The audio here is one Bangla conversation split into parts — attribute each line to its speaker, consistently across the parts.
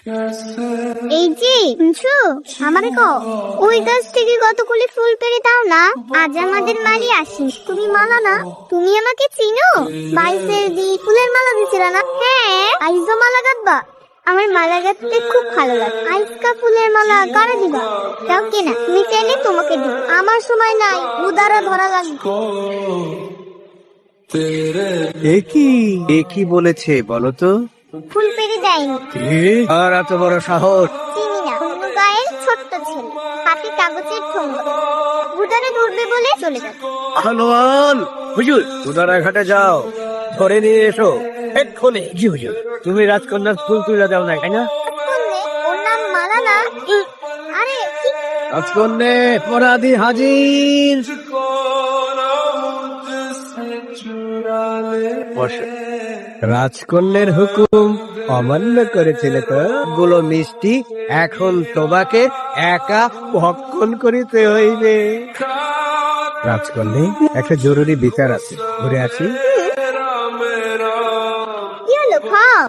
Speaker 1: এই যে শুনছো, আমারে কও ওই গাছ থেকে কতগুলি ফুল পেড়ে দাও না, আজ আমাদের মালি আসিস। তুমি মালা না, তুমি আমাকে চিনো? বাইসের দি ফুলের মালা দিছিল না? হ্যাঁ, আইজো মালা গাঁথবা। আমার মালা গাঁথতে খুব ভালো লাগে। আইসকা ফুলের মালা কারে দিবা? যাও কেনা, তুমি চাইলে তোমাকে দিব। আমার সময় নাই, উদারা ধরা লাগবে।
Speaker 2: একই বলেছে বলো তো?
Speaker 1: ফুল পেড়ে দেয়নি।
Speaker 2: আর এত বড় সাহস!
Speaker 1: চিনি না, অন্য গায়ের ছোট্ট ছেলে, হাতে কাগজের ঠোঙ্গা, উদারে ধরবে বলে চলে যাবে।
Speaker 2: আহলোয়ান হুজুর, উদারা ঘাটে যাও, ধরে নিয়ে এসো এক্ষুনি। জি হুজুর। তুমি রাজকন্যার ফুল তুলে দাও না, তাই না?
Speaker 1: শুনলে, ওর নাম মালা না? আরে কি?
Speaker 2: রাজকন্যে অপরাধী হাজির। রাজকন্যের হুকুম অমান্য করেছিলে তো? গুলো মিষ্টি এখন তোমাকে একা ভক্ষণ করিতে হইবে। রাজকন্যে, একটা জরুরি বিচার আছে, ঘুরে আসি।
Speaker 1: কি হলো, খাও।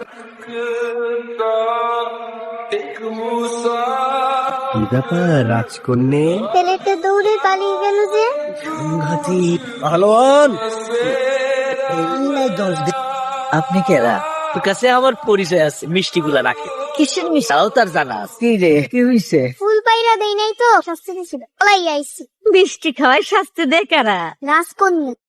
Speaker 2: কি ব্যাপার রাজকন্যে?
Speaker 1: ছেলেটা দৌড়ে পালিয়ে গেল যে।
Speaker 2: সংঘাতি পালোয়ান।
Speaker 3: আপনি কেরা? তোর কাছে আমার পরিচয় আছে, মিষ্টি গুলা রাখে। কিসের মিষ্টি তাও তার জানা আছে।
Speaker 2: কি রে, কি হইছে?
Speaker 1: ফুল পাইরা দেই নাই তো, শাস্তি দিছিল, পলাই আইছি।
Speaker 3: মিষ্টি খাওয়াই শাস্তি দেয় কারা?
Speaker 1: রাজকন্যা।